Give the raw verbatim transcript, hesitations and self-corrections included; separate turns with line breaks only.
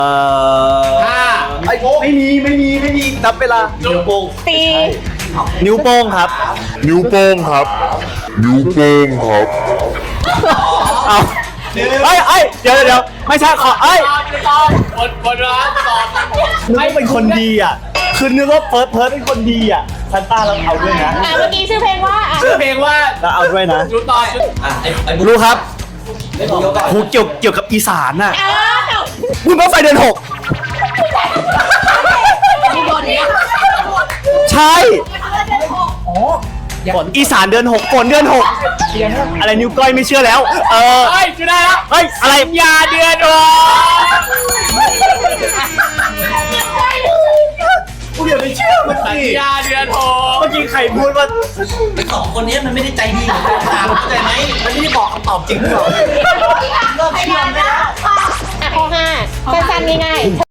เอ่อ
ห้า
ไม่มีไม่มีไม่มีนับเวลานิ้วโป้ง
สี่
นิ้วโป้งครับ
นิ้วโป้งครับ นิ้วโป้งครับ
เอาเอ้ยเอ้ยเดี๋ยวเดี๋ยวไม่ใช่ขอเอ้ย
ตอบหมดหมดเวลาตอบ
นึกว่าเป็นคนดีอ่ะคือนึกว่าเพิร์ดเพิร์ดเป็นคนดีอ่ะซันต้าเราเอาด้วยนะ
อ่ะเมื่อกี้ชื่อเพลงว่าอ่ะ
ชื่อเพลงว่า
เราเอาด้วยนะ
ดูตอบ
รู้ครับครูเกี่ยวเกี่ยวกับอีสานน่ะ
อ้าว
บุญบั้งไฟเดือนหก
มีบทนี้
ใช่อีสานเดือนหกฝนเดือนหกอะไรนิ้วก้อยไม่เชื่อแล้ว เออ
เฮ้ยชื่อได้แล้ว
เฮ้ยอะไร
ยาเดือนโอ
กูเดี๋ยวไม่เชื่อเมื่อ
สัญ
กี้
ญาเดือนโอ
เมื่อกี้ใครพูดว่า
สองคนนี้มันไม่ได้ใจดีเหมือนกันเข้าใจไหมมันไม่ได้บอกคำตอบจริงหรอก
อ่ะข้อห้าสั้นๆง่ายๆ